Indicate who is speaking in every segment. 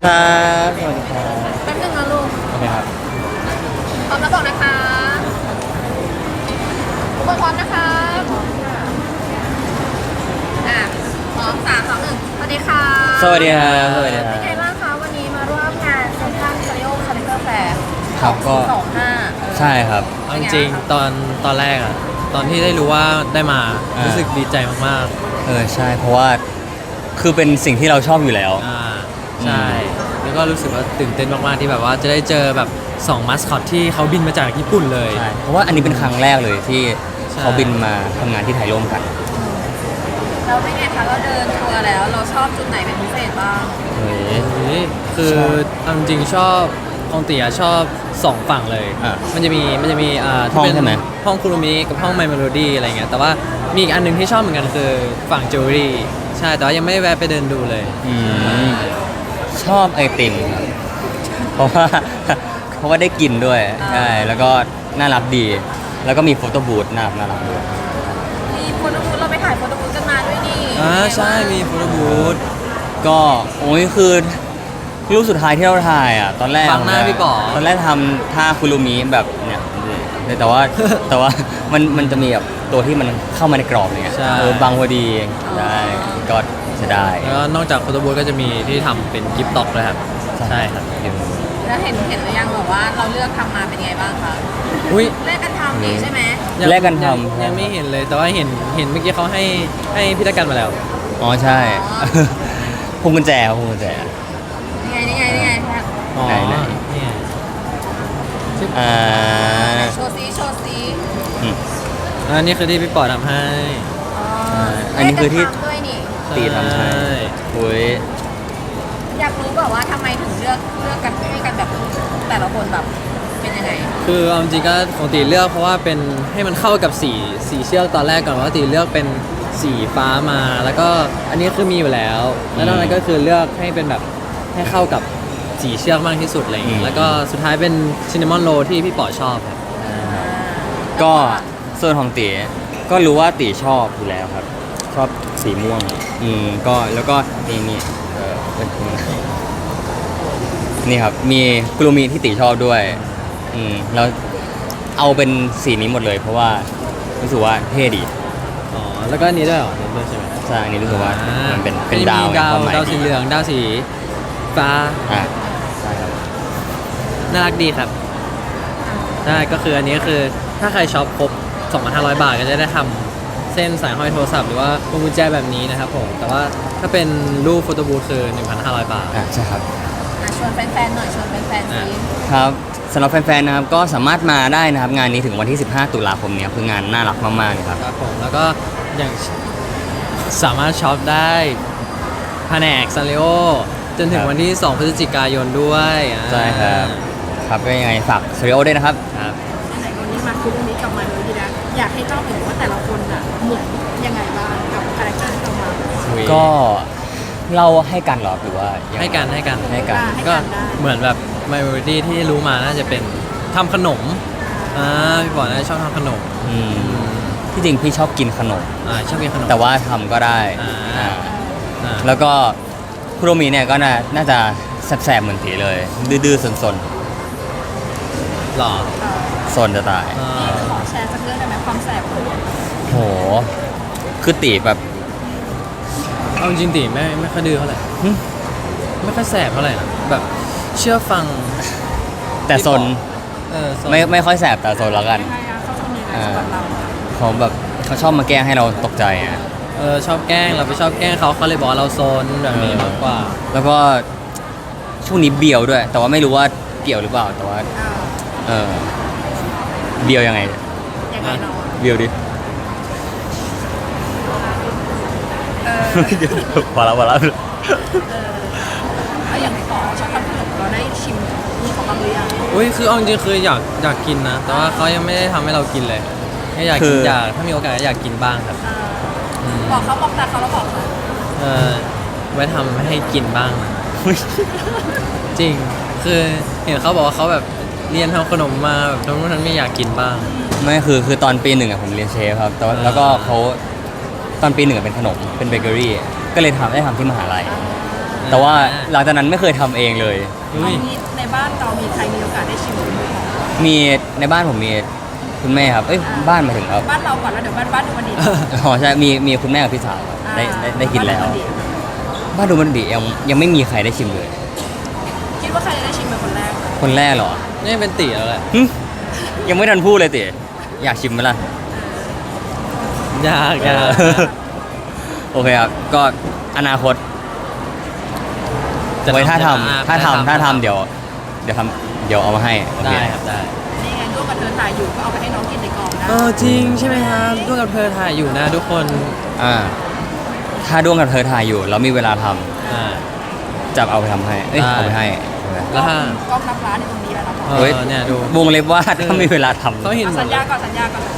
Speaker 1: ครับสวัสดีครับ
Speaker 2: แป๊บนึงนะลูก
Speaker 1: โอเคครับ
Speaker 2: พร้อมแล้วบอกนะคะทุกคนพร้อมนะคะอ่ะพร้อม3 2 1สวัสดีค่ะ
Speaker 1: สวัสดีครับสวัสดีครั
Speaker 2: เป็นไง
Speaker 1: บ
Speaker 2: บ้างคะวันนี้มาร่วมงานเซ็นทรัลสตูดิโอคาแรคเตอร์แฟร์
Speaker 1: ครับก็
Speaker 2: 25
Speaker 1: ใช่ครับ
Speaker 3: เอาจริงๆตอนแรกอะตอนที่ได้รู้ว่าได้มารู้สึกดีใจมาก
Speaker 1: ใช่เพราะว่าคือเป็นสิ่งที่เราชอบอยู่แล้ว
Speaker 3: ๆใช่แล้วก็รู้สึกว่าตื่นเต้นมากๆที่แบบว่าจะได้เจอแบบ2มัสคอตที่เขาบินมาจากญี่ปุ่นเลย
Speaker 1: ใช่เพราะว่าอันนี้เป็นครั้งแรกเลยที่
Speaker 3: ใช่
Speaker 1: เขาบินมาทำงานที่ไทยร่วมกัน
Speaker 2: แล้วเป็นไงคะเราเดินทัวร์แล้วเราชอบจุดไหนเป็นพิเศษบ้าง
Speaker 1: เฮ้ย
Speaker 3: นี่คือเอาจริงๆชอบของตีชอบ2ฝั่งเลย
Speaker 1: อ่ะ
Speaker 3: มันจะมี
Speaker 1: ห้อง
Speaker 3: ที่เป็น
Speaker 1: ใช่ไหม
Speaker 3: ห้องคุรุมิกับห้องไมเมโลดี้อะไรเงี้ยแต่ว่ามีอีกอันหนึงที่ชอบเหมือนกันคือฝั่งจิวเวลรี่ใช่แต่ว่ายังไม่ได้แวะไปเดินดูเลย
Speaker 1: อืมชอบไอติมครับเพราะว่า เพราะว่าได้กินด้วยใช่แล้วก็น่ารักดี แล้วก็มีโฟโต้บูธน่ารักด้วย
Speaker 2: มีโฟโต้บูธเราไปถ่ายโฟโต้บูธกันมาด้วยนี่
Speaker 3: ใช่มีโฟโต้บูธ
Speaker 1: ก็โอ้ยคือรูปสุดท้ายที่เราถ่ายอ่ะตอนแรก
Speaker 3: บังหน้าพี่ป๋อ
Speaker 1: ตอนแรกทำท่าคุรุมิแบบเนี่ยแต่ว่า แต่ว่ามันจะมีแบบตัวที่มันเข้ามาในกรอบอะไรเงี้ย
Speaker 3: ใช่
Speaker 1: บางพอดีได้ก็จะได้
Speaker 3: แล้วก็นอกจากโฟโต้บูธก็จะมีที่ทำเป็นกิฟต์ต็อกเลยครับใช่ครับ
Speaker 2: แล้วเห็นหรือยังแบบว่าเราเลือกทำมาเป็นไงบ้างคะ
Speaker 3: อุ้ย
Speaker 2: เลือกกันทำนี่ใช่ไหม
Speaker 3: ยัง
Speaker 1: แลกกันทำ
Speaker 3: ยังไม่เห็นเลยแต่ว่าเห็นเมื่อกี้เขาให้พิธกันมาแล้ว
Speaker 1: อ๋อใช่ พวงกุญแจครับพวงกุญแจ
Speaker 2: นี่ไงแพท
Speaker 3: อ๋อ
Speaker 1: ไหน
Speaker 3: เนี่ย
Speaker 1: อ่า
Speaker 2: โชว์ซี
Speaker 1: อืม
Speaker 3: อันนี้คือที่พี่ปอทำให้
Speaker 1: อันนี้คือที่
Speaker 2: เลืกกันทำด้วยนี่
Speaker 1: ตีทำใช่อุ้ย
Speaker 2: อยากรู้แบบว่าทำไมถึงเลือกกันให้กันแบบแต่ละคนแบบเป็นยังไง
Speaker 3: คือเอาจริงๆก็ของตีเลือกเพราะว่าเป็นให้มันเข้ากับสีเชือกตอนแรกก่อนว่าตีเลือกเป็นสีฟ้ามา แล้วก็อันนี้คือมีอยู่แล้ว แล้วนอกนั้นก็คือเลือกให้เป็นแบบให้เข้ากับสีเชือกมากที่สุดอะไรอย่างเงี้ยแล้วก็สุดท้ายเป็นซินนามอนโรที่พี่ปอชอบครับ
Speaker 1: ก็ส่วนของตีก็รู้ว่าตีชอบอยู่แล้วครับ ชอบสีม่วงก็แล้วก็นี่นี่ครับมีกุลูมีที่ตีชอบด้วยแล้วเอาเป็นสีนี้หมดเลย เพราะว่ารู้สึกว่าเท่ดี
Speaker 3: อ๋อแล้วก็อันนี้ด้วยเหรออันนี้ด้วยใช่ไหม
Speaker 1: ใช่อันนี้รู้สึกว่ามันเป็น
Speaker 3: มี
Speaker 1: ดาว
Speaker 3: ดาว
Speaker 1: ความหมาย
Speaker 3: ดาวสีเหลืองดาวสีฟ้า
Speaker 1: อ่ะใช่ครับ
Speaker 3: น่ารักดีครับใช่ก็คืออันนี้ก็คือถ้าใครช็อปครบ 2,500 บาทก็จะได้ทำเส้นสายห้อยโทรศัพท์หรือว่าพวงกุญแจแบบนี้นะครับผมแต่ว่าถ้าเป็นรูปโฟโต้บูธคือ 1,500 บาท
Speaker 1: ใช่ครับ
Speaker 2: ชวนแฟนๆหน่อยชวนแฟนๆสิ
Speaker 1: ครับสำหรับแฟนๆนะครับก็สามารถมาได้นะครับงานนี้ถึงวันที่ 15 ตุลาคมนี้คืองานน่ารักมากๆเลยครับ
Speaker 3: ครับผมแล้วก็อย่างสามารถช็อปได้แผนกซันริโอจนถึ
Speaker 1: ค
Speaker 3: ง
Speaker 1: รับ
Speaker 3: วันที่ 2 พฤศจิกายนด้วย
Speaker 1: ใช่ครับครับก็ยังไงฝากสตูดิโอด้วยนะครับ
Speaker 3: ครับ
Speaker 4: ไหนวันนี้มาคุยเรื่องนี้กลับมาเลยดีนะอยากให้เล่าถึงว่าแต่ละคนอ่ะเหมือนยังไงบ้างกับคาแรคเตอร์ที่เรามา
Speaker 1: ก็เล่าให้กันเหรอหรือว่ายังไง
Speaker 3: ให้กัน
Speaker 1: ให้กัน
Speaker 3: ก็เหมือนแบบไมโลดี้ที่รู้มาน่าจะเป็นทำขนมพี่บอกน่าจะชอบทำขนม
Speaker 1: ที่จริงพี่ชอบกินขนม
Speaker 3: ชอบกินขนม
Speaker 1: แต่ว่าทำก็ได้
Speaker 3: อ่า
Speaker 1: แล้วก็คุโรมิเนี่ยก็น่าจะแสบๆเหมือนตีเลย ดื้อๆสน
Speaker 3: หล่อ
Speaker 1: ๆสนจะตาย
Speaker 4: ขอแชร์สักเรื่องได้ไหมความแสบของเรา
Speaker 1: โหคือตีแบบ
Speaker 3: เอาจริงๆตีไม่ค่อยดื้อเท่าไหร่
Speaker 1: หึ
Speaker 3: ไม่ค่อยแสบเท่าไหร่นะแบบเชื่อฟัง
Speaker 1: แต่สน
Speaker 3: สน
Speaker 1: ไม่ค่อยแสบแต่สนแล้วกัน
Speaker 4: ยังไงอะเขาทำยังไงสำหรับเรา
Speaker 1: เขาแบบเขาชอบมาแกล้งให้เราตกใจอ่ะ
Speaker 3: ชอบแกล้งเราไปชอบแกล้งเขาเลยบอกว่าเราโซนแบบนี้มากกว่า
Speaker 1: แล้วก็ช่วงนี้เบียวด้วย แต่ว่าไม่รู้ว่าเกี่ยวหรือเปล่าแต่ว่า
Speaker 4: อ่า
Speaker 1: เออเบียวยังไง
Speaker 4: ยังไงเนาะ
Speaker 1: เบียวดิ
Speaker 4: เออ
Speaker 1: พอแล้ว
Speaker 4: แล้วอย่างที่บอกชอบทำขนมเราได้ชิมนี่ของเราหรือยัง
Speaker 3: อุ้ยคือเอาจริงๆคืออยากกินนะ แต่ว่าเขายังไม่ได้ทำให้เรากินเลยแค่อยาก
Speaker 1: คื
Speaker 3: กิน
Speaker 1: อ
Speaker 3: ถ้ามีโอกาสก็อยากกินบ้างครับ
Speaker 2: บอกเขาบอกแต่เขาแล้วบอกเขา
Speaker 3: เออไว้ทำให้กินบ้างนะจริงคือเห็นเขาบอกว่าเขาแบบเรียนทำขนมมาแบบทั้งนู้นทั้งนี้อยากกินบ้าง
Speaker 1: ไม่คือตอนปีหนึ่งอะผมเรียนเชฟครับแต่ว่าแล้วก็เขาตอนปีหนึ่งอะเป็นขนมเป็นเบเกอรี่ก็เลยได้ทำที่มหาลัยแต่ว่าหลังจากนั้นไม่เคยทำเองเลย
Speaker 3: อุ้ย
Speaker 4: เอางี้ในบ้านเรามีใครมีโอกาสได้ชิมมือของ
Speaker 1: มีในบ้านผมมีคุณแม่ครับเอ้ยบ้านหมายถึงครับ
Speaker 4: บ้านเราก่อนแล้วเดี๋ยวบ้านดูมันดี
Speaker 1: อ๋อใช่มีคุณแม่กับพี่สาวครับได้กินแล้ว
Speaker 4: บ้านดูมันดี
Speaker 1: บ้านดูมันดียังไม่มีใครได้ชิมเลย
Speaker 4: คิดว่าใครจะได้ชิมเป็นคนแรก
Speaker 1: คนแรกเหรอ
Speaker 3: นี่เป็นตีแล้วแหละ
Speaker 1: หึยังไม่ทันพูดเลยติอยากชิมไหมล่ะ
Speaker 3: ยากยาก
Speaker 1: โอเคครับ ก็อนาคต
Speaker 3: จะ
Speaker 1: ไว้ถ้า
Speaker 3: จะ
Speaker 1: ทำถ้าทำเดี๋ยวเอามาให้โอเค
Speaker 3: ได้ครับได้
Speaker 4: นี่ไงร่วมกับเธอถ่ายอยู่ก็เอาไปให้น้องกินในกองนะ
Speaker 3: จริงใช่ไหมครับด้วยกับเธอถ่ายอยู่นะทุกคน
Speaker 1: ถ้าด้วงกับเธอถ่ายอยู่แล้วมีเวลาทำ
Speaker 3: อ่า
Speaker 1: จะเอาไปทำให้เอ้ย
Speaker 3: ได้
Speaker 1: เอาไปให้
Speaker 3: แล้วถ้า
Speaker 4: กล้องรับร้านในตรงนี้แล้วนะ
Speaker 3: เออเนี่ยดู
Speaker 1: วงเล็บว่าถ้ามีเวลาทำ
Speaker 3: เขาเห็นหม
Speaker 4: สั
Speaker 3: ด
Speaker 4: ญ
Speaker 3: เล
Speaker 4: ญาย ก่อนสัญญาก่อน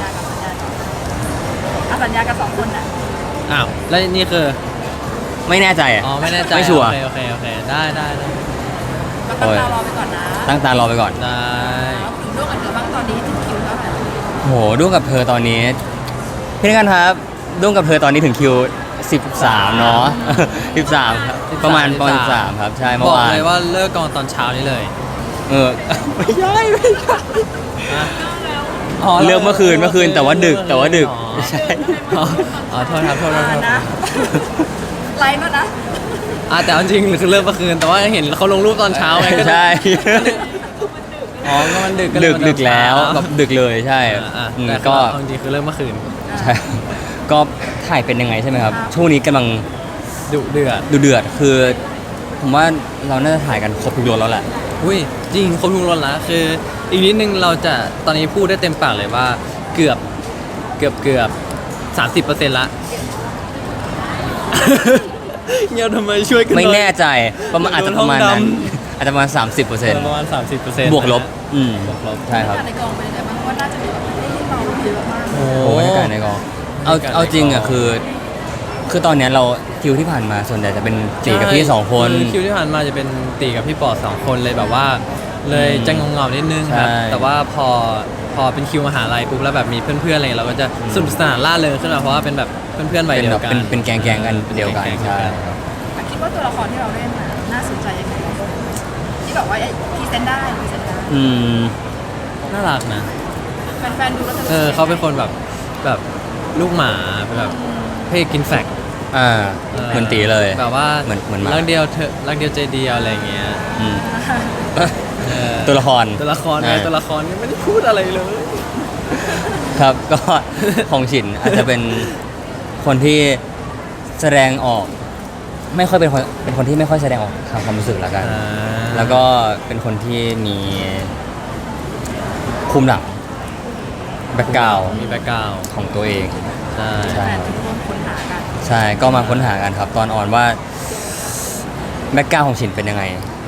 Speaker 4: สัญญากันสองคนน่ะ
Speaker 3: อ้าวแล้วนี่คือ
Speaker 1: ไม่แน่ใจอะ
Speaker 3: อ๋อไม่แน่ใจ
Speaker 1: ไม่ชัวร์
Speaker 3: โอเคได้
Speaker 4: ก็ตั้งตารอไปก่อนนะ
Speaker 1: ตั้งตารอไปก่อน
Speaker 3: ได้
Speaker 4: ถึงร่วมกับเธอบ้างตอนนี้ถึงคิวเท่าไหร่
Speaker 1: โหด้วงกับเธอตอนนี้พี่นักการครับด้วงกับเธอตอนนี้ถึงคิว 13 เนาะ 13 ครับประมาณ13ครับใช่เมื่
Speaker 3: บ
Speaker 1: อ
Speaker 3: อก
Speaker 1: วาน
Speaker 3: เลยว่าเลิกกองตอนเช้านี่เลย
Speaker 1: เออไม่ใช่
Speaker 3: อ๋อ
Speaker 1: เลือกเมื่อคืนแต่ว่าดึกไม่ใช่
Speaker 3: อ๋อโทษครับโทษ
Speaker 4: นะ ไลน์แล้วนะ
Speaker 3: แต่เอาจริงคือเลิกเมื่อคืนแต่ว่าเห็นเขาลงรูปตอนเช้าไงก็เลย
Speaker 1: ใช่
Speaker 3: อ๋อก็มันดึก
Speaker 1: ดึกแล้วแบบดึกเลยใช่
Speaker 3: แต่
Speaker 1: ก็
Speaker 3: เอาจริงคือเลิกเมื่อคืน
Speaker 1: ใช่ก็ถ่ายเป็นยังไงใช่ไหมครับ ช่วงนี้กำลัง
Speaker 3: ดุเดือด
Speaker 1: ดูเดือดคือ ผมว่าเราน่าจะถ่ายกันครบทุกรสแล้วแหละ
Speaker 3: อุ้ยจริงครบทุกรสแล้วคือ อีกนิดนึงเราจะตอนนี้พูดได้เต็มปากเลยว่าเกือบ30%ละเงียบทำไมช่วยกันหน่
Speaker 1: ไม่
Speaker 3: อย
Speaker 1: แน่ใจประมาณอาจจะประมาณนั้น
Speaker 3: โดนห้องด
Speaker 1: อาจจะประมาณ 30%
Speaker 3: ประมาณ30%
Speaker 1: บวกลบ
Speaker 3: บวกลบ
Speaker 1: ใช่ครับ
Speaker 4: ในกองเป็นยังไงบ้างเพราะว่าน่าจะมีแบบได้ยินเราเยอะมาก
Speaker 3: โอ้
Speaker 1: โอ้บรรยากาศในกองเอาจริงอ่ะคือตอนเนี้ยเราคิวที่ผ่านมาส่วนใหญ่จะเป็นตีกับพี่2 คน
Speaker 3: อคิวที่ผ่านมาจะเป็นตีกับพี่ปอด2 คนเลยแบบว่า เลยจะงงๆนิดนึงครับ
Speaker 1: ใช่
Speaker 3: แต่ว่าพอเป็นคิวมหาลัยปุ๊บแล้วแบบมีเพื่อนๆอะไรเราก็จะสนุกสนานล่าเริงขึ้นมาเพราะว่าเป็นแบบเพื่อนๆวัย
Speaker 1: เป็น
Speaker 3: เดี
Speaker 1: แบ
Speaker 3: ยว
Speaker 1: บ
Speaker 3: กัน
Speaker 1: เป็นแกงกันเดียวกัน
Speaker 3: แก๊งๆ
Speaker 1: ใช่
Speaker 4: คิดว่าตัวละครที่เราเล่นน่ะน่าสนใจยังไงที่แบบว่าพรีเซนต์ได้
Speaker 1: อืม
Speaker 3: น่ารักนะ
Speaker 4: แฟนๆดูแล้วจะ
Speaker 3: เขาเป็นคนแบบลูกหมาเป็นแบบเพศกินแฟก
Speaker 1: เหมือนตีเลย
Speaker 3: แบบว่า
Speaker 1: เหมือนหมา
Speaker 3: รักเดียวเธอรักเดียวใจเดียวอะไรอย่างเงี้ย
Speaker 1: อืม
Speaker 3: เออ
Speaker 1: ตัวละคร
Speaker 3: ตัวละครไง
Speaker 1: ใช่
Speaker 3: ตัวละครนี่ไม่ได้พูดอะไรเลย
Speaker 1: ครับ ก็ของฉินอาจจะเป็นคนที่แสดงออก ไม่ค่อยเป็นคนที่ไม่ค่อยแสดงออกทางความรู้สึกละกัน แล้วก็เป็นคนที่มีภูมิหลังแบ็กกราว
Speaker 3: มีแบ็กกราวด์
Speaker 1: ของตัวเอง
Speaker 3: ใช่
Speaker 1: ใช่
Speaker 4: แฟนๆร่วมค้นหากัน
Speaker 1: ใช่ก็มาค้นหากันครับ ตอนออนว่าแบ็กกราวของฉินเป็นยังไง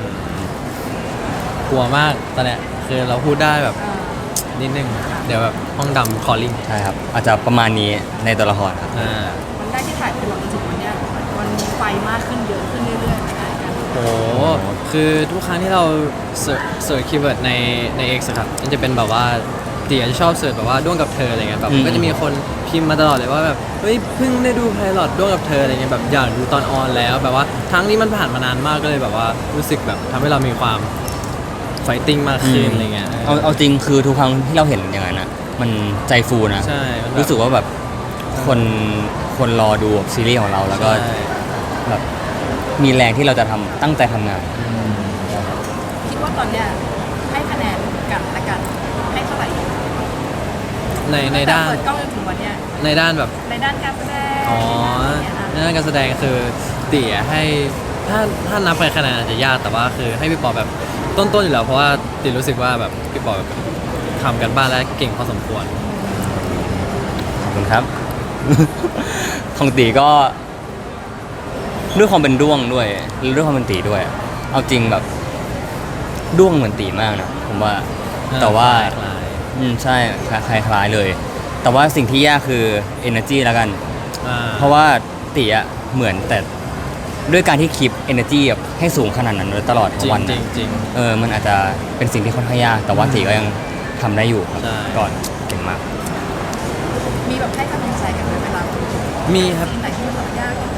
Speaker 3: กลัวมากตอนเนี้ยคือเราพูดได้แบบนิดนึง เดี๋ยวแบบห้องดำคอลลิ่ง
Speaker 1: ใช่ครับ อาจจะประมาณนี้ในตัวละครครับ
Speaker 4: วันแรกที่ถ่ายคือเราจนถึงวันเนี้ยมันมีไฟมากขึ้นเยอะขึ้นเรื่อยๆเหมือนกัน
Speaker 3: โอ้โหคือทุกครั้งที่เราเสิร์ชคีย์เวิร์ดใน X อะครับมันจะเป็นแบบว่าตีอาจจะชอบเสิร์ชแบบว่าด้วงกับเธออะไรเงี้ยแบบก็จะมีคนพิมพ์มาตลอดเลยว่าแบบเฮ้ยเพิ่งได้ดูไพลอตด้วงกับเธออะไรเงี้ยแบบอยากดูตอนออนแล้วแบบว่าทั้งนี้มันผ่านมานานมากก็เลยแบบว่ารู้สึกแบบทำให้เรามีความไฟติ้งมากขึ้นอะไรเงี้ย
Speaker 1: เอาจริงคือทุกครั้งที่เราเห็นอย่างนั้นนะมันใจฟูนะ
Speaker 3: ใช่มันแบบ
Speaker 1: รู้สึกว่าแบบคนรอดูซีรีส์ของเราแล้วก็
Speaker 3: ใช่
Speaker 1: แบบมีแรงที่เราจะตั้งใจทำงาน
Speaker 4: คิดว่าตอนเนี้ยให้คะแนนกันและกันให้เท่าไหร่
Speaker 3: ในด้าน
Speaker 4: เปิดกล้องจนถึงวันเนี้ย
Speaker 3: ในด้านแบบ
Speaker 4: ในด้านการแสดง
Speaker 3: อ๋อ
Speaker 4: อะไรอย่างเงี้ย
Speaker 3: ในด้านการแสดงคือเตี๋ยให้ถ้านับไปคะแนนอาจจะยากแต่ว่าคือให้พี่ปอแบบต้นๆอยู่แล้วเพราะว่าติรู้สึกว่าแบบพี่ปอแบบทำกันบ้านและเก่งพอสมควร
Speaker 1: ขอบคุณครับ ของตีก็ด้วยความเป็นด้วงด้วยแล้วด้วยความเป็นตีด้วย เอาจริงแบบด้วงเหมือนตีมากนะผมว่า แต่ว่า
Speaker 3: คล้าย
Speaker 1: ใช่คล้ายๆเลย แต่ว่าสิ่งที่ยากคือ energy แล้วกัน
Speaker 3: ๆอ่า
Speaker 1: เพราะว่าตีอะเหมือนแต่ด้วยการที่คีป energy แบบให้สูงขนาดนั้นตลอดทั้
Speaker 3: จริ
Speaker 1: ง
Speaker 3: ง
Speaker 1: วัน
Speaker 3: จริ
Speaker 1: นะ
Speaker 3: งจริง
Speaker 1: มันอาจจะเป็นสิ่งที่ค่อนข้างยาก แต่ว่าตีก็ยังทำได้อยู่ครับ
Speaker 3: ใช่
Speaker 1: ก่อนเก่งมาก
Speaker 4: มีแบบให้กำลังใจกันไหมเวลา
Speaker 3: มีครับ
Speaker 4: ที่ไหนที่มันแบบยากต้องผ่านไปได้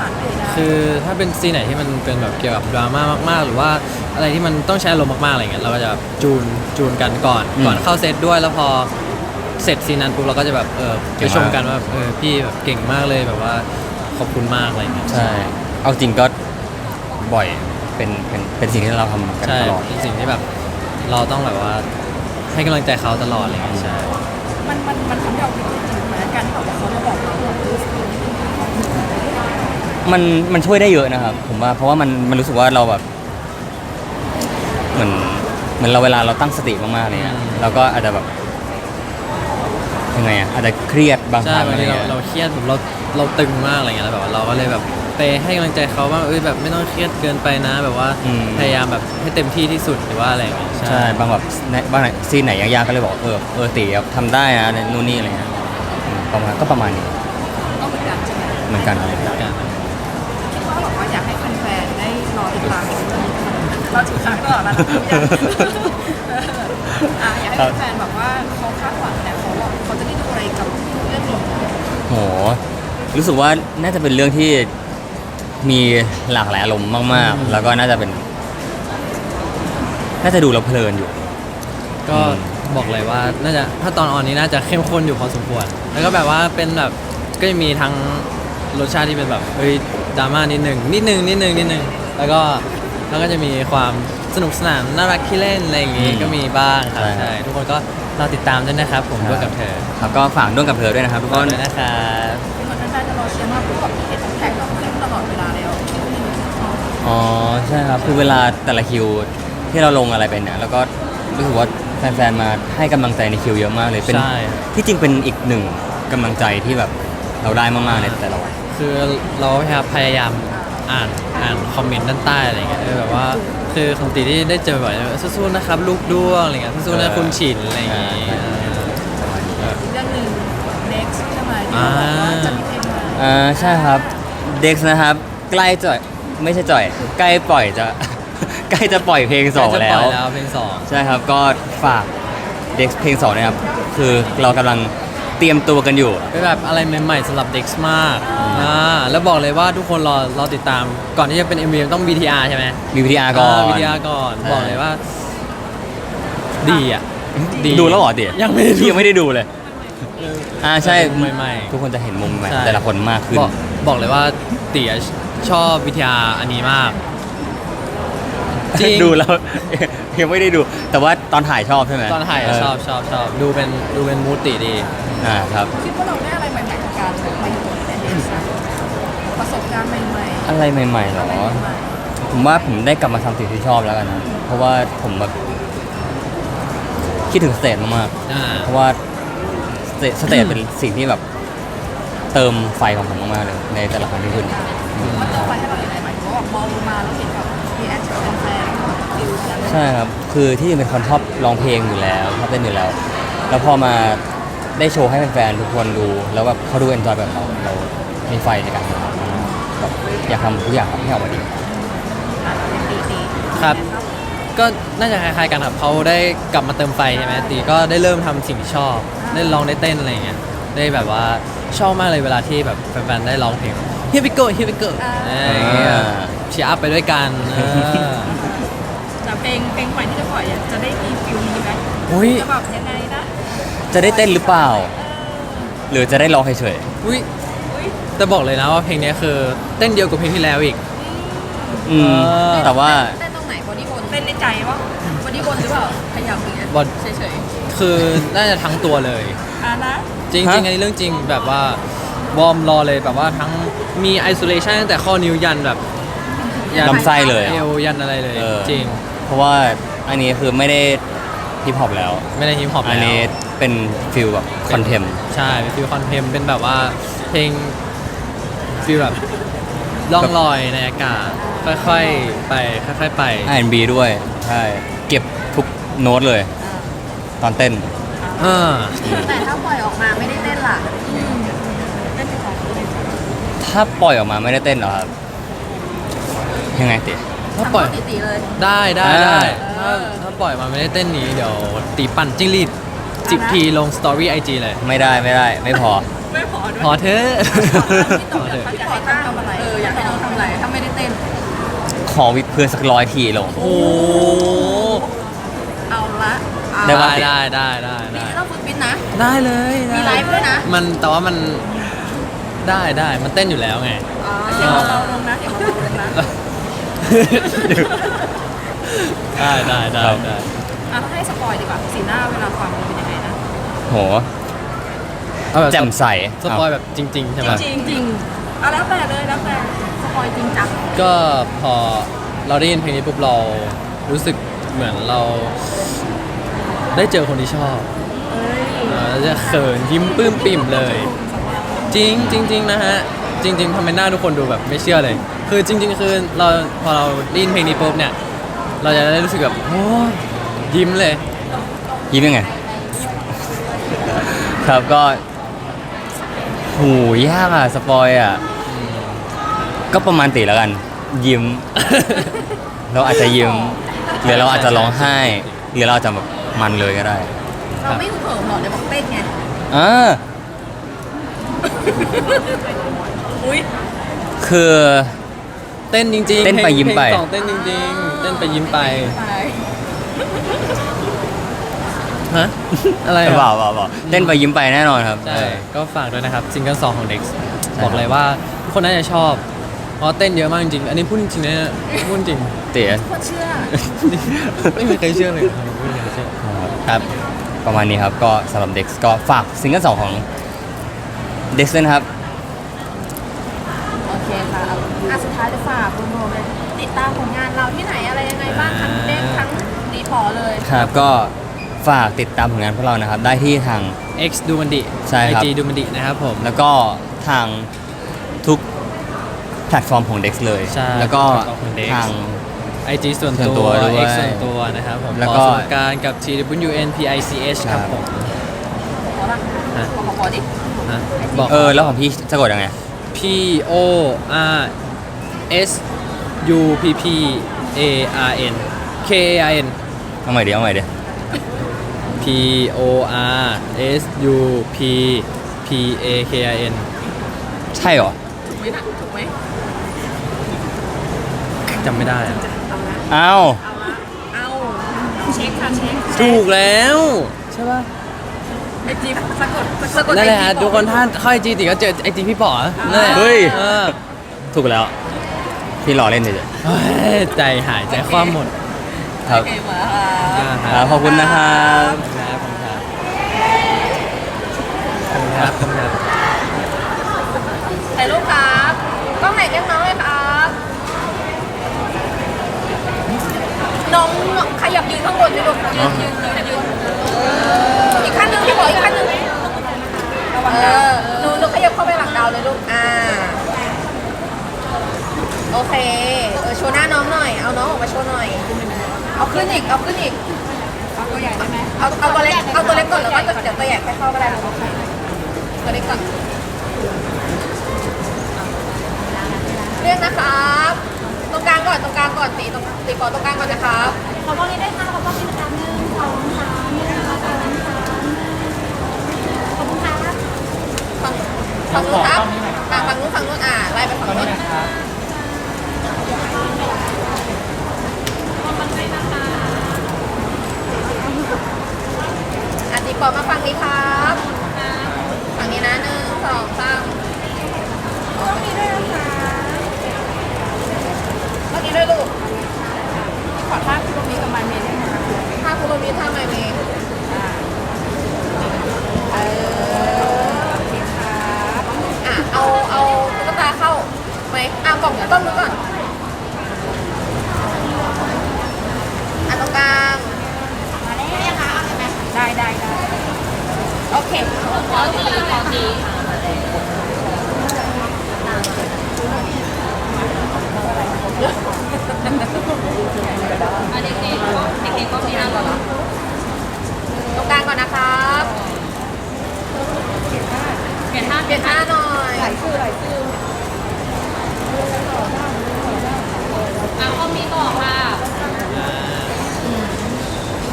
Speaker 3: คือถ้าเป็นซีนไหนที่มันเป็นแบบเกี่ยวกับดราม่ามากๆหรือว่าอะไรที่มันต้องใช้อารมณ์มากๆอะไรเงี้ยเราก็จะจูนกันก่อนเข้าเซตด้วยแล้วพอเสร็จซีนนั้นปุ๊บเราก็จะแบบไปชมกันว่าพี่แบบเก่งมากเลยแบบว่าขอบคุณมากอะไรเงี้ย
Speaker 1: ใช่ เอาจริงก็บ่อยเป็นสิ่งที่เราทำกัน
Speaker 3: ใช่
Speaker 1: ตลอด
Speaker 3: เป็นสิ่งที่แบบเราต้องแบบว่าให้กำลังใจเขาตลอดอะไรเงี้ยใช่
Speaker 4: มันทำให้เราคิดจริงๆเหมือนกันที่แบบว่าเขามาบอกเราว่า
Speaker 1: มันช่วยได้เยอะนะครับ ผมว่าเพราะว่ามันรู้สึกว่าเราแบบเหมือนเราเวลาเราตั้งสติมากๆอะไรเงี้ยเราก็อาจจะแบบยังไงอาจจะเครียดบางค
Speaker 3: ใช่
Speaker 1: รั้ง
Speaker 3: บาง
Speaker 1: อะไร
Speaker 3: ทีเรา
Speaker 1: เงี้ย
Speaker 3: เราเครียดแบบเราตึงมากอะไรเงี้ยแล้วแบบว่าเราก็เลยแบบไปให้กำลังใจเขาว่าแบบไม่ต้องเครียดเกินไปนะ แบบว่าพยายามแบบให้เต็มที่ที่สุดหรือว่าอะไรอย่างเงี้ย
Speaker 1: ใช่บางแบบบางซีนไหนยากๆก็เลยบอกตีครับทำได้นะนู่นนี่อะไรเงี้ยประมาณนี้
Speaker 4: ก็เหมือนกันใช่ไหม
Speaker 1: เหมือนกัน
Speaker 4: คิดว่าแบบว่าอยากให้แฟนๆได้รอติดตามเรื่องนี้เราถือครั้งตลอดแล้วนะอยากให้แฟนๆแบบว่าเขาคาดหวังแต่เขาจะได้ดูอะไรกับเรื่องนี้
Speaker 1: โหรู้สึกว่าน่าจะเป็นเรื่องที่มีหลากหลายอารมณ์มากๆ แล้วก็น่าจะดูแล้วเพลินอยู่
Speaker 3: ก็บอกเลยว่าน่าจะถ้าตอนออนนี้น่าจะเข้มข้นอยู่พอสมควรแล้วก็แบบว่าเป็นแบบก็จะมีทั้งรสชาติที่เป็นแบบดราม่านิดนึงแล้วก็จะมีความสนุกสนานน่ารักขี้เล่นอะไรอย่างงี้ก็มีบ้างครับ
Speaker 1: ใช่
Speaker 3: ใช่ทุกคนก็รอติดตามด้วยนะครับผมด้วยกับเธอ
Speaker 1: ครับก็ฝากด้วยกับเธอด้วยนะครับทุก
Speaker 3: ข
Speaker 1: ค
Speaker 3: อบ
Speaker 1: น
Speaker 3: คุณนะครับ
Speaker 4: เหมือนแฟนๆจะรอเชียร์มากเพราะแบบเห็นแท็กเราขึ้นตลอดเวลาแล้ว
Speaker 1: อ๋อใช่ครับคือเวลาแต่ละคิวที่เราลงอะไรไปเนี่ยแล้วก็รู้สึกว่าแฟนๆมาให้กำลังใจในคิวเยอะมากเลยเป็น
Speaker 3: ใช่
Speaker 1: ที่จริงเป็นอีกหนึ่งกำลังใจที่แบบเราได้มากๆในแต่ละวัน
Speaker 3: คือเราพยายามอ่านคอมเมนต์ด้านใต้อะไรเงี้ยแบบว่าคือของตีที่ได้เจอบ่อยสู้ๆนะครับลูกด้วงอะไรเงี้ยสู้ๆนะคุณฉินอะไรอย่างงี้
Speaker 4: เรื่องหนึ่ง next ใช่ไหมที่เราบอกว่าจะมีเพลงใหม่
Speaker 1: ใช่ครับเด็กนะครับใกล้จะไม่ใช่จ่อยใกล้ปล่อยจะ ใกล้จะปล่อยเพลงสอง
Speaker 3: จะ
Speaker 1: แล้
Speaker 3: ป
Speaker 1: ว
Speaker 3: อยแล้วเพลงสอง
Speaker 1: ใช่ครับก็ฝากเด็กเพลงสองนะครับคือเรากำลังเตรียมตัวกันอยู่
Speaker 3: เป็นแบบอะไรใหม่ๆสำหรับเด็กมากแล้วบอกเลยว่าทุกคนรอติดตามก่อนที่จะเป็น MV ต้อง VTR ใช่ไหม
Speaker 1: มีวิทยาก่อน
Speaker 3: VTR ก่อน
Speaker 1: ใช่
Speaker 3: บอกเลยว่าดีอ่ะดี
Speaker 1: ดูแล้วเหรอเดี๋ยว
Speaker 3: ยังไม่ได้ดู
Speaker 1: ยังไม่ได้ดูเลยใช่
Speaker 3: ใหม่ๆ
Speaker 1: ทุกคนจะเห็นมุมใหม่
Speaker 3: ใช่
Speaker 1: แต่ละคนมากขึ้น
Speaker 3: บอกเลยว่าเตี๋ยชอบวิทยาอันนี้มาก จริง
Speaker 1: ดูแล้ว ยังไม่ได้ดู แต่ว่าตอนถ่ายชอบใช่ไหม
Speaker 3: ตอนถ่ายอะชอบดูเป็นมูติดี
Speaker 1: ครับ
Speaker 4: คิดว่าเราได้อะไรใหม่ๆจากการมาอยู่ในเดสประสบการณ์ใหม่ๆ
Speaker 1: อะไรใหม่ๆเหรอ
Speaker 4: อะไรใหม่
Speaker 1: ผมว่าผมได้กลับมาทำสิ่งที่ชอบแล้วกันนะเพราะว่าผมแบบคิดถึงสเตจมากๆเพราะว่าสเตจเป็นสิ่งที่แบบเติมไฟของผมมากๆเลยในแต่ละครั้งที่ขึ้น
Speaker 4: ๆมันเติมไฟให้เราอย่างไรหมายถึงว่าแบบมองลงมาแล้วเห็นแบบมีแอคชั่นแฟนๆฟิลนั้น
Speaker 1: ใช่ครับ คือที่จริงเป็นคนชอบร้องเพลงอยู่แล้วชอบเต้นอยู่แล้ว แล้วพอมาได้โชว์ให้แฟนๆทุกคนดู แล้วแบบเขาดูเอนจอยแบบเรามีไฟในการทำแบบอยากทำทุกอย่างให้ออกมาดี
Speaker 4: ตี
Speaker 3: ครับ ก็น่าจะคล้ายๆกันครับเขาได้กลับมาเติมไฟใช่ไหมตีก็ได้เริ่มทำสิ่งที่ชอบได้ลองได้เต้นอะไรอย่างเงี้ยได้แบบว่าชอบมากเลยเวลาที่แบบแฟนๆได้ร้องเพลง Here we go Here we go อะไรอย่างเงี้ยเชียร์อัพไปด้วยกัน
Speaker 4: แต่เพลงใหม่ที่จะปล่อยอะจะได้มีฟิลนี้ไหม
Speaker 3: อุ้ย
Speaker 4: จะแบบยังไงนะ
Speaker 1: จะได้เต้นหรือเปล่า หรือจะได้ร้องเฉย
Speaker 3: อุ้ยแต่บอกเลยนะว่าเพลงนี้คือเต้นเดียวกับเพลงที่แล้วอีก
Speaker 1: ๆแต่ว่า
Speaker 2: เต้นตรงไหนบอดี้บน
Speaker 4: เต้นในใจว่าบอดี้บนหรือเปล่าขยับอย่างเงี้ย
Speaker 3: บอด
Speaker 4: เฉย
Speaker 3: คือน่าจะทั้งตัวเลย
Speaker 4: ๆนะ
Speaker 3: จริง
Speaker 1: ฮะ
Speaker 3: ๆอันนี้เรื่องจริงแบบว่าวอร์มรอเลยแบบว่าทั้งมีไอโซเลชันตั้งแต่ข้อนิ้วยันแบบ
Speaker 1: ลำไส้เลย
Speaker 3: เอวยันอะไรเลย จริง
Speaker 1: เพราะว่าอันนี้คือไม่ได้ฮิปฮอปแล้ว
Speaker 3: ไม่ได้ฮิปฮอป
Speaker 1: อัน
Speaker 3: แล้ว
Speaker 1: นี้เป็นฟิลแบบคอนเทม
Speaker 3: ใช่เป็นฟิลคอนเทมเป็นแบบว่าเพลงฟิลแบบล่องลอยในอากาศค่อยๆไปค่อยๆไป
Speaker 1: R&B ด้วย ใช่ เก็บทุกโน้ตเลย ตอนเต้น
Speaker 2: แต่ถ้าปล่อยออกมาไม่ได้เต้นล่ะ
Speaker 4: เต้นของ
Speaker 1: ถ้าปล่อยออกมาไม่ได้เต้นเหรอครับ ยังไงติ
Speaker 3: ถ้าปล่อย
Speaker 2: ตีๆเลย
Speaker 3: ได้ได้
Speaker 1: อ่า
Speaker 3: ได้ถ้าปล่อยมาไม่ได้เต้นนี้เดี๋ยวตีปั่นจิ้งหรีด10 ทีลงสตอรี่ไอจีเลย
Speaker 1: ไม่ได้ไม่พอ
Speaker 4: ไม่พอด้วย
Speaker 3: พอเถอะ
Speaker 4: พี่ต๋ออยากให้ตั้งทำอะไรอยากให้น้องทำอะไรถ้าไม่ได้เต้น
Speaker 1: ขอวิดเพื่อนสัก100 ทีลง
Speaker 3: โอ้
Speaker 4: เอาละ
Speaker 1: ได้ปะ
Speaker 3: ได้
Speaker 4: ต้องฝึกฟิตนะ
Speaker 3: ได้เลย
Speaker 4: มีไลฟ์ด้วยนะ
Speaker 3: มันแต่ว่ามันได้มันเต้นอยู่แล้วไง
Speaker 4: เสียงเบาๆลงนะเสียงเบาๆลงนะ
Speaker 3: ได้
Speaker 4: ต้องให้สปอยดีกว่าสีหน้าเวลาฟังมันเป็นยังไงนะ
Speaker 1: โห
Speaker 3: เอาแบบ
Speaker 1: แจ่มใส
Speaker 3: สปอยแบบจริงๆใช่ไหม
Speaker 4: จริงแล้วแต่เลยแล้วแต่สปอยจริงจัง
Speaker 3: ก็พอเราได้ยินเพลงนี้ปุ๊บเรารู้สึกเหมือนเราได้เจอคนที่ชอบเราจะเขินยิ้มปลื้มปิ่มเลย จริงนะฮะ จริงๆทำไมหน้าทุกคนดูแบบไม่เชื่อเลย คือจริง ๆ คือเราพอเราได้ยินเพลงนี้ปุ๊บเนี่ยเราจะได้รู้สึกแบบโอ้ยยิ้มเลย
Speaker 1: ยิ้มยังไง ครับก็หูยากอ่ะ สปอยอ่ะ ก็ประมาณตีแล้วกัน ยิ้ม เราอาจจะยิ้มหรือเราอาจจะร้องไห้หรือเราอาจจะแบบมันเลยก็ได้
Speaker 2: เราไม่เขินหรอกเดี๋ยวบอกเต้นไง
Speaker 1: อ่า
Speaker 2: อุ้ย
Speaker 1: คือ
Speaker 3: เต้นจริงๆ
Speaker 1: เต้นไปยิ้มไป
Speaker 3: เพลงสองเต้นจริงๆ เต้นไปยิ้มไป
Speaker 2: ไป
Speaker 3: ฮะ อะไรอะ
Speaker 1: เปล่าเต้นไปยิ้มไปแน่นอนครับ
Speaker 3: ใช่ ก็ฝากด้วยนะครับซิงเกิล2ของ Dex บอกเลยว่าทุกคนน่าจะชอบ เพราะเต้นเยอะมากจริงๆ อันนี้พูดจริงๆนะพูดจริง
Speaker 1: เตี๋ย
Speaker 2: คนเชื่อ
Speaker 3: ไม่มีใครเชื่อเลยไม่มีใครเชื่อ
Speaker 1: ครับ ประมาณนี้ครับ ก็สำหรับ Dex ก็ฝากซิงเกิล2ของ Dex ด้วยนะครับ
Speaker 2: โอเคค่ะสุดท้ายจะฝากคุณโรมเลยติดตามผลงานเราที่ไหนอะไรยังไงบ้างทั้งเด้งทั้งรีพอร์เลย
Speaker 1: ครับ ก็ฝากติดตามผลงานพวกเรานะครับ ได้ที่ทาง
Speaker 3: X ดูมันดิ
Speaker 1: ใช่ครับ
Speaker 3: IG ดูมันดินะครับผม
Speaker 1: แล้วก็ทางทุกแพลตฟอร์มของ Dex เลย
Speaker 3: ใช่
Speaker 1: แล้วก็
Speaker 3: แพลตฟอร์มของ Dex
Speaker 1: ทาง
Speaker 3: IG ส่วน
Speaker 1: ส่วนตั
Speaker 3: ตัว ว
Speaker 1: ด้วย
Speaker 3: X ส่วนตัวนะครับผม
Speaker 1: แล้วก็
Speaker 3: ขอสงการกับ TWNPICH ครับผม
Speaker 2: ขอละ
Speaker 3: ฮะ
Speaker 2: ขอดิ
Speaker 3: ฮะบอก
Speaker 1: แล้วของพี่สะกดยังไง
Speaker 3: P O R S U P P A R N K A I N
Speaker 1: เอาใหม่ดิ
Speaker 3: P O R S U P P A K I N
Speaker 1: ใช่เหรอ
Speaker 2: ถูกไหมนะถูกไหม
Speaker 3: จำไม่ได้อะ
Speaker 1: อ้าว
Speaker 2: เอา
Speaker 4: เช็คค่ะเช็ค
Speaker 3: ถูกแล้วใช่ป่ะ
Speaker 4: ไอจีสะกด
Speaker 3: นั่นแหละฮะทุกคนถ้าเข้าไอจีติก็เจอไอจีพี่ป๋อนั่นแหละ
Speaker 1: เฮ้ย
Speaker 3: เออ
Speaker 1: ถูกแล้ว พี่รอเล่นเฉย
Speaker 3: เฮ้ยใจหายใจคว่ำหมด
Speaker 1: ๆครับ
Speaker 2: โอเคหมดแล้วค่ะ
Speaker 1: ครับขอบคุณนะครับ
Speaker 3: ครับขอบคุณครับ
Speaker 2: ถ่ายรูปครับกล้องไหนเรียกน้องเลยครับน้องขยับยืนข้างบนดิลูกยืนอีกขั้นหนึงพี่บอกอีกขั้นหนึงหนูขยับเข้าไปหลังดาวเลยลูกโอเคโชว์หน้าน้องหน่อยเอาน้องออกมาโชว์หน่อยเอาขึ้นอีกเอาตัวใหญ่ได้ไหมเอาตัวเล็กก่อนแล้วก็เดี๋ยวตัวใหญ่ค่อยเข้าก็ได้ลูกตัวเล็กก่อนเรียกนะครับตรงกลางก่อนตีขอตรงกลางก่อนนะครับ
Speaker 4: ขอบ้องนี้ได้ค่ะขอบ้องนี้นะคะ1 2 3 1 2 3ขอบคุณค่ะ
Speaker 2: ฝั่งนู้นครับฝั่งนู้นไล่ไปฝั่งนู้นตีขอมาฝั่งนี้ครับฝั่งนี้นะ1 2 3ต้องมีด้วยนะคะต้องมีด้วยลูก
Speaker 4: ขอท่าคุณตรงนี้กับมันเมย์ได้ไหมคะ
Speaker 2: ถ้าคุณโรมีท่าไมเมย์เอาตุ๊กตาเข้าไหมกล่องต้นมือก่อนตรงกลางได้โอเคขอทีเด็กก็มีห้าก่อนตรงกลางก่อนนะครับเปลี่ยนท่าหน่อยหลายชื่อข้อมีต่อค่ะ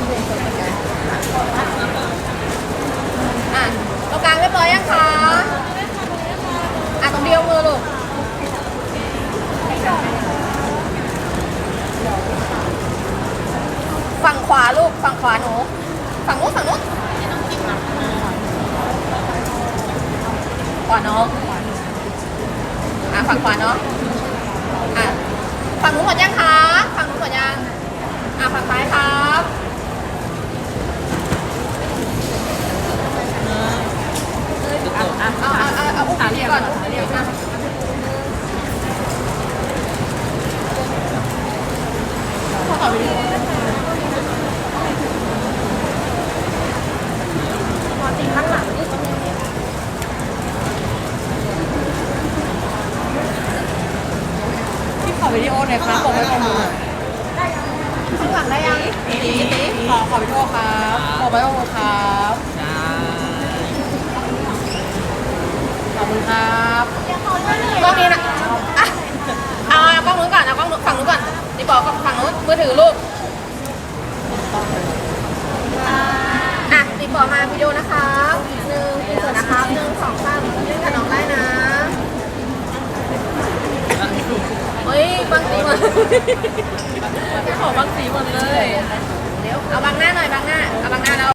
Speaker 2: ตรงกลางเรียบร้อยยังคะาลูกฝั่งขวาหนูฝั่งนู้นฝั่งนู้นขวาน้องฝั่งขวาน้องฝั่งนู้นหมดยังคะฝั่งนู้นหมดยังฝั่งซ้ายครับเอาอุ้มพี่ก่อนอุ้มพี่ก่อนขอวิดีโอพอจริงข้างหลังนี่พี่ขอวิดีโอหน่อยครับบอกไว้ตรงนู้นข้างหลังได้ยังตีขอวิดีโอครับบอกไว้ตรงนู้นครับขอบคุณครับกล้องนี้นะเอากล้องนู้นก่อนเอากล้องฝั่งนู้นก่อนตีบอกฝั่งนู้นมือถือลูกตีบอกมาวิดีโอนะครับ1อินเสิร์ตนะครับ1 2 3เล่นกับน้องได้นะเฮ้ยบางสีหมดขอบางสีหมดเลยเดี๋ยวเอาบางหน้าหน่อยบางหน้าเอาบางหน้าแล้ว